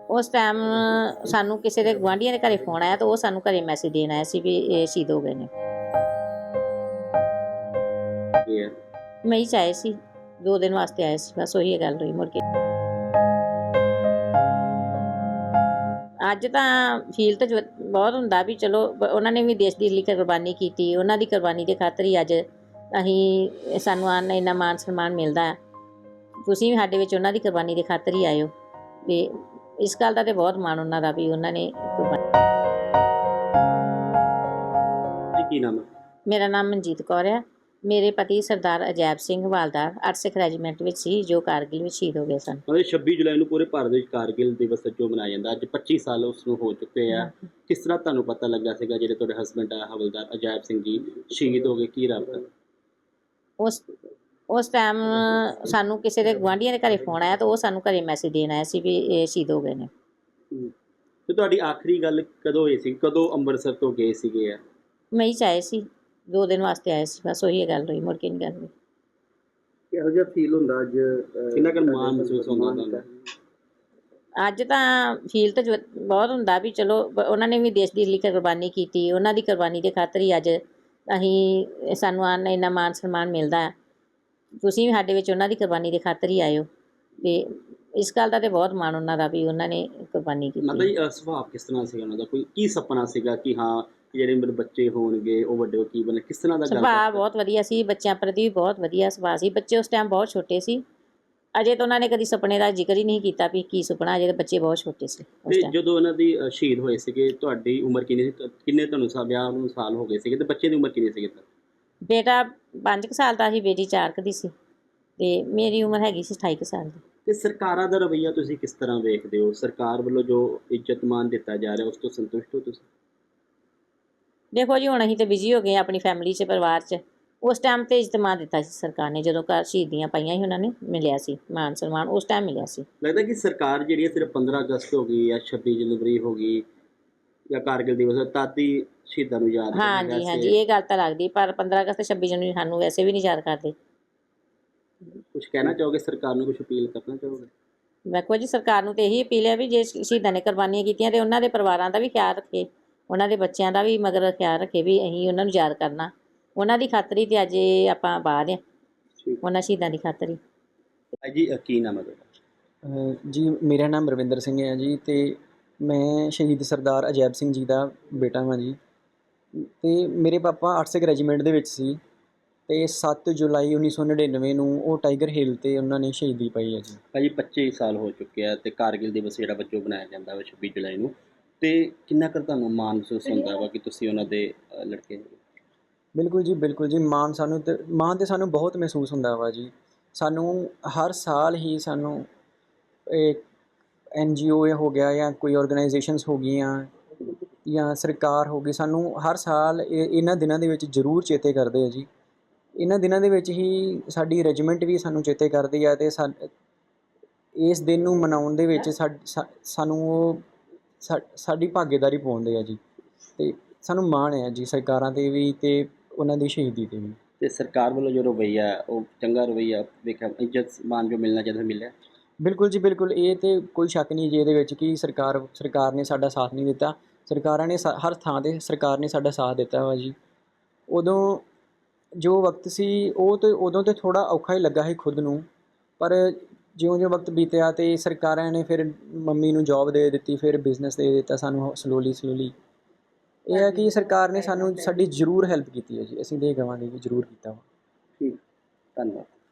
उस टाइम सानू किसी के गुआढ़ियों के घरे फोन आया तो वो सानू घरे मैसेज देन आया सी भी ये शहीद हो गए ने। मई च आए सी, 2 दिन वास्ते आए सी, बस ਉਹੀ ਗੱਲ ਹੋਈ ਮੁੜ ਕੇ। ਅੱਜ ਤਾਂ ਫੀਲ ਤਾਂ ਬਹੁਤ ਹੁੰਦਾ ਵੀ ਚਲੋ ਉਹਨਾਂ ਨੇ ਵੀ ਦੇਸ਼ ਦੀ ਲਈ ਕੁਰਬਾਨੀ ਕੀਤੀ, ਉਹਨਾਂ ਦੀ ਕੁਰਬਾਨੀ ਦੇ ਖਾਤਰ ਹੀ ਅੱਜ ਅਸੀਂ ਸਾਨੂੰ ਇੰਨਾ ਮਾਣ ਸਨਮਾਨ ਮਿਲਦਾ। ਤੁਸੀਂ ਵੀ ਸਾਡੇ ਵਿੱਚ ਉਹਨਾਂ ਦੀ ਕੁਰਬਾਨੀ ਦੇ ਖਾਤਰ ਹੀ ਆਏ ਹੋ ਤੇ ਇਸ ਗੱਲ ਦਾ ਤੇ ਬਹੁਤ ਮਾਣ ਉਹਨਾਂ ਦਾ ਵੀ ਉਹਨਾਂ ਨੇ ਕੁਰਬਾਨੀ। ਕੀ ਨਾਮ ਹੈ? ਮੇਰਾ ਨਾਮ ਮਨਜੀਤ ਕੌਰ ਹੈ। ਮੇਰੇ ਪਤੀ ਸਰਦਾਰ ਅਜੈਬ ਸਿੰਘ ਹਵਾਲਦਾਰ 8 ਸਿੱਖ ਰੈਜੀਮੈਂਟ ਵਿੱਚ ਸੀ ਜੋ ਕਾਰਗਿਲ ਵਿੱਚ ਸ਼ਹੀਦ ਹੋ ਗਏ ਸਨ। 26 ਜੁਲਾਈ ਨੂੰ ਪੂਰੇ ਭਾਰਤ ਵਿੱਚ ਕਾਰਗਿਲ ਦਿਵਸ ਜੋ ਮਨਾਇਆ ਜਾਂਦਾ, ਅੱਜ 25 ਸਾਲ ਉਸ ਨੂੰ ਹੋ ਚੁੱਕੇ ਆ। ਕਿਸ ਤਰ੍ਹਾਂ ਤੁਹਾਨੂੰ ਪਤਾ ਲੱਗਾ ਸੀਗਾ ਜਿਹੜੇ ਤੁਹਾਡੇ ਹਸਬੈਂਡ ਆ ਹਵਲਦਾਰ ਅਜੈਬ ਸਿੰਘ ਜੀ ਸ਼ਹੀਦ ਹੋ ਗਏ, ਕੀ ਰਾਬਤਾ? ਉਸ ਟਾਈਮ ਸਾਨੂੰ ਕਿਸੇ ਦੇ ਗੁਆਂਢੀਆਂ ਦੇ ਘਰੇ ਫੋਨ ਆਇਆ ਤਾਂ ਉਹ ਸਾਨੂੰ ਘਰੇ ਮੈਸੇਜ ਦੇਣ ਆਇਆ ਸੀ ਵੀ ਇਹ ਸ਼ਹੀਦ ਹੋ ਗਏ ਨੇ। ਤੇ ਤੁਹਾਡੀ ਆਖਰੀ ਗੱਲ ਕਦੋਂ ਹੋਈ ਸੀ, ਕਦੋਂ ਅੰਮ੍ਰਿਤਸਰ ਤੋਂ ਗਏ ਸੀਗੇ ਆ? ਮਈ 'ਚ ਆਏ ਸੀ, 2 ਦਿਨ ਵਾਸਤੇ ਆਏ ਸੀ, ਬਸ ਉਹੀ ਗੱਲ ਹੋਈ, ਮੁੜ ਕੇ ਨਹੀਂ ਗੱਲ ਹੋਈ। ਕਿਹੋ ਜਿਹਾ ਫੀਲ ਹੁੰਦਾ ਅੱਜ, ਕਿੰਨਾ ਕੁ ਮਾਣ ਮਹਿਸੂਸ ਹੁੰਦਾ ਤੁਹਾਨੂੰ? ਅੱਜ ਤਾਂ ਫੀਲ ਤਾਂ ਬਹੁਤ ਹੁੰਦਾ ਵੀ ਚਲੋ ਉਹਨਾਂ ਨੇ ਵੀ ਦੇਸ਼ ਦੀ ਲਈ ਕੁਰਬਾਨੀ ਕੀਤੀ, ਉਹਨਾਂ ਦੀ ਕੁਰਬਾਨੀ ਦੇ ਖਾਤਰ ਹੀ ਅੱਜ ਅਸੀਂ ਸਾਨੂੰ ਇੰਨਾ ਮਾਣ ਸਨਮਾਨ ਮਿਲਦਾ। ਤੁਸੀਂ ਵੀ ਸਾਡੇ ਵਿੱਚ ਉਹਨਾਂ ਦੀ ਕੁਰਬਾਨੀ ਦੇ ਖਾਤਰ ਹੀ ਆਏ ਹੋ ਤੇ ਇਸ ਗੱਲ ਦਾ ਤੇ ਬਹੁਤ ਮਾਣ ਉਹਨਾਂ ਦਾ ਵੀ ਉਹਨਾਂ ਨੇ ਕੁਰਬਾਨੀ ਕੀਤੀ। ਮਤਲਬ ਸੁਭਾਅ ਕਿਸ ਤਰ੍ਹਾਂ ਸੀਗਾ ਉਹਨਾਂ ਦਾ, ਕੋਈ ਕੀ ਸੁਪਨਾ ਸੀਗਾ ਕਿ ਹਾਂ ਜਿਹੜੇ ਮੇਰੇ ਬੱਚੇ ਹੋਣਗੇ ਉਹ ਵੱਡੇ ਕੀ ਬਣੇ, ਕਿਸ ਤਰ੍ਹਾਂ ਦਾ? ਸੁਭਾਅ ਬਹੁਤ ਵਧੀਆ ਸੀ, ਬੱਚਿਆਂ ਪ੍ਰਤੀ ਵੀ ਬਹੁਤ ਵਧੀਆ ਸੁਭਾਅ ਸੀ। ਬੱਚੇ ਉਸ ਟਾਈਮ ਬਹੁਤ ਛੋਟੇ ਸੀ, ਅਜੇ ਤਾਂ ਉਹਨਾਂ ਨੇ ਕਦੀ ਸੁਪਨੇ ਦਾ ਜ਼ਿਕਰ ਹੀ ਨਹੀਂ ਕੀਤਾ ਵੀ ਕੀ ਸੁਪਨਾ, ਅਜੇ ਤਾਂ ਬੱਚੇ ਬਹੁਤ ਛੋਟੇ ਸੀ। ਤੇ ਜਦੋਂ ਉਹਨਾਂ ਦੀ ਸ਼ਹੀਦ ਹੋਏ ਸੀਗੇ ਤੁਹਾਡੀ ਉਮਰ ਕਿੰਨੀ ਸੀ, ਕਿੰਨੇ ਤੁਹਾਨੂੰ ਵਿਆਹ ਨੂੰ ਸਾਲ ਹੋ ਗਏ ਸੀਗੇ ਤੇ ਬੱਚੇ ਦੀ ਉਮਰ ਕਿੰਨੀ ਸੀਗੀ? ਬੇਟਾ 5 ਸਾਲ ਦਾ ਸੀ, ਬੇਟੀ 4 ਦੀ ਸੀ ਤੇ ਮੇਰੀ ਉਮਰ ਹੈਗੀ ਸੀ 28 ਸਾਲ ਦੀ। ਤੇ ਸਰਕਾਰਾਂ ਦਾ ਰਵੱਈਆ ਤੁਸੀਂ ਕਿਸ ਤਰ੍ਹਾਂ ਵੇਖਦੇ ਹੋ? ਸਰਕਾਰ ਵੱਲੋਂ ਜੋ ਇੱਜ਼ਤ ਮਾਨ ਦਿੱਤਾ ਜਾ ਰਿਹਾ ਉਸ ਤੋਂ ਸੰਤੁਸ਼ਟ ਹੋ ਤੁਸੀਂ? ਦੇਖੋ ਜੀ, ਹੁਣ ਅਸੀਂ ਤਾਂ ਬਿਜ਼ੀ ਹੋ ਗਏ ਆਪਣੀ ਫੈਮਿਲੀ 'ਚ, ਪਰਿਵਾਰ 'ਚ। ਉਸ ਟਾਈਮ 'ਤੇ ਇੱਜ਼ਤ ਮਾਨ ਦਿੱਤਾ ਸੀ ਸਰਕਾਰ ਨੇ, ਜਦੋਂ ਘਰ ਸ਼ਹੀਦੀਆਂ ਪਾਈਆਂ ਸੀ ਉਹਨਾਂ ਨੇ ਮਿਲਿਆ ਸੀ ਮਾਨ ਸਨਮਾਨ, ਉਸ ਟਾਈਮ ਮਿਲਿਆ ਸੀ। ਲੱਗਦਾ ਕਿ ਸਰਕਾਰ ਜਿਹੜੀ ਹੈ ਸਿਰਫ 15 ਅਗਸਤ ਹੋ ਗਈ ਜਾਂ 26 ਜਨਵਰੀ ਹੋ ਗਈ ਜਾਂ ਕਾਰਗਿਲ ਦਿਵਸ ਤਦ ਹੀ ਸ਼ਹੀਦਾਂ ਨੂੰ ਯਾਦ ਕਰਦੀ? ਹਾਂਜੀ, ਇਹ ਗੱਲ ਤਾਂ ਲੱਗਦੀ, ਪਰ 15 ਅਗਸਤ 26 ਜਨਵਰੀ ਸਾਨੂੰ ਵੈਸੇ ਵੀ ਨਹੀਂ ਯਾਦ ਕਰਦੇ। ਕੁਛ ਕਹਿਣਾ ਚਾਹੋਗੇ ਸਰਕਾਰ ਨੂੰ, ਕੁਛ ਅਪੀਲ ਕਰਨਾ ਚਾਹੋਗੇ? ਵੇਖੋ ਜੀ, ਸਰਕਾਰ ਨੂੰ ਤਾਂ ਇਹੀ ਅਪੀਲ ਹੈ ਵੀ ਜੇ ਸ਼ਹੀਦਾਂ ਨੇ ਕੁਰਬਾਨੀਆਂ ਕੀਤੀਆਂ ਤੇ ਉਹਨਾਂ ਦੇ ਪਰਿਵਾਰਾਂ ਦਾ ਵੀ ਖਿਆਲ ਰੱਖੇ, ਉਹਨਾਂ ਦੇ ਬੱਚਿਆਂ ਦਾ ਵੀ ਮਗਰ ਖਿਆਲ ਰੱਖੇ ਵੀ ਅਸੀਂ ਉਹਨਾਂ ਨੂੰ ਯਾਦ ਕਰਨਾ, ਉਹਨਾਂ ਦੀ ਖਾਤਰ ਹੀ ਤੇ ਅੱਜ ਆਪਾਂ ਬਾਹਰ ਆ, ਉਹਨਾਂ ਸ਼ਹੀਦਾਂ ਦੀ ਖਾਤਰ ਹੀ। ਜੀ ਕੀ ਨਾਮ ਹੈ ਤੁਹਾਡਾ? ਜੀ ਮੇਰਾ ਨਾਮ ਰਵਿੰਦਰ ਸਿੰਘ ਹੈ ਜੀ ਅਤੇ ਮੈਂ ਸ਼ਹੀਦ ਸਰਦਾਰ ਅਜੈਬ ਸਿੰਘ ਜੀ ਦਾ ਬੇਟਾ ਹਾਂ ਜੀ। ਅਤੇ ਮੇਰੇ ਪਾਪਾ 8 ਸਿੱਖ ਰੈਜੀਮੈਂਟ ਦੇ ਵਿੱਚ ਸੀ ਅਤੇ 7 ਜੁਲਾਈ 1999 ਨੂੰ ਉਹ ਟਾਈਗਰ ਹਿੱਲ 'ਤੇ ਉਹਨਾਂ ਨੇ ਸ਼ਹੀਦੀ ਪਾਈ ਹੈ ਜੀ। ਭਾਜੀ 25 ਸਾਲ ਹੋ ਚੁੱਕੇ ਆ ਅਤੇ ਕਾਰਗਿਲ ਦਿਵਸ ਜਿਹੜਾ ਵਜੋਂ ਬਣਾਇਆ ਜਾਂਦਾ ਵਾ 26 ਜੁਲਾਈ ਨੂੰ, ਅਤੇ ਕਿੰਨਾ ਕੁ ਤੁਹਾਨੂੰ ਮਾਣ ਮਹਿਸੂਸ ਹੁੰਦਾ ਵਾ ਕਿ ਤੁਸੀਂ ਉਹਨਾਂ ਦੇ ਲੜਕੇ ਹੋ? ਬਿਲਕੁਲ ਜੀ, ਮਾਣ ਤਾਂ ਸਾਨੂੰ ਬਹੁਤ ਮਹਿਸੂਸ ਹੁੰਦਾ ਵਾ ਜੀ। ਸਾਨੂੰ ਹਰ ਸਾਲ ਹੀ ਸਾਨੂੰ NGO ਹੋ ਗਿਆ ਜਾਂ ਕੋਈ ਔਰਗਨਾਈਜੇਸ਼ਨਸ ਹੋ ਗਈਆਂ ਜਾਂ ਸਰਕਾਰ ਹੋ ਗਈ, ਸਾਨੂੰ ਹਰ ਸਾਲ ਇਹਨਾਂ ਦਿਨਾਂ ਦੇ ਵਿੱਚ ਜ਼ਰੂਰ ਚੇਤੇ ਕਰਦੇ ਆ ਜੀ। ਇਹਨਾਂ ਦਿਨਾਂ ਦੇ ਵਿੱਚ ਹੀ ਸਾਡੀ ਰੈਜੀਮੈਂਟ ਵੀ ਸਾਨੂੰ ਚੇਤੇ ਕਰਦੀ ਆ ਅਤੇ ਇਸ ਦਿਨ ਨੂੰ ਮਨਾਉਣ ਦੇ ਵਿੱਚ ਸਾਨੂੰ ਉਹ ਸਾਡੀ ਭਾਗੀਦਾਰੀ ਪਾਉਂਦੇ ਆ ਜੀ ਅਤੇ ਸਾਨੂੰ ਮਾਣ ਹੈ ਜੀ ਸਰਕਾਰਾਂ 'ਤੇ ਵੀ ਅਤੇ ਉਹਨਾਂ ਦੀ ਸ਼ਹੀਦੀ 'ਤੇ ਵੀ। ਅਤੇ ਸਰਕਾਰ ਵੱਲੋਂ ਜੋ ਰਵੱਈਆ ਉਹ ਚੰਗਾ ਰਵੱਈਆ ਵੇਖਿਆ, ਇੱਜ਼ਤ ਮਾਨ ਜੋ ਮਿਲਣਾ ਚਾਹੀਦਾ ਮਿਲਿਆ? ਬਿਲਕੁਲ ਜੀ, ਬਿਲਕੁਲ, ਇਹ ਤਾਂ ਕੋਈ ਸ਼ੱਕ ਨਹੀਂ ਜੀ ਇਹਦੇ ਵਿੱਚ ਕਿ ਸਰਕਾਰ ਨੇ ਸਾਡਾ ਸਾਥ ਨਹੀਂ ਦਿੱਤਾ। ਸਰਕਾਰਾਂ ਨੇ ਹਰ ਥਾਂ 'ਤੇ ਸਰਕਾਰ ਨੇ ਸਾਡਾ ਸਾਥ ਦਿੱਤਾ ਵਾ ਜੀ। ਉਦੋਂ ਜੋ ਵਕਤ ਸੀ ਉਦੋਂ ਤਾਂ ਥੋੜ੍ਹਾ ਔਖਾ ਹੀ ਲੱਗਾ ਸੀ ਖੁਦ ਨੂੰ, ਪਰ ਜਿਉਂ ਵਕਤ ਬੀਤਿਆ ਅਤੇ ਸਰਕਾਰਾਂ ਨੇ ਫਿਰ ਮੰਮੀ ਨੂੰ ਜੋਬ ਦੇ ਦਿੱਤੀ, ਫਿਰ ਬਿਜ਼ਨਸ ਦੇ ਦਿੱਤਾ ਸਾਨੂੰ ਸਲੋਲੀ। ਇਹ ਹੈ ਕਿ ਸਰਕਾਰ ਨੇ ਸਾਡੀ ਜ਼ਰੂਰ ਹੈਲਪ ਕੀਤੀ ਹੈ ਜੀ, ਅਸੀਂ ਇਹ ਕਹਾਂਗੇ ਕਿ ਜ਼ਰੂਰ ਕੀਤਾ ਵਾ। ਠੀਕ, ਧੰਨਵਾਦ।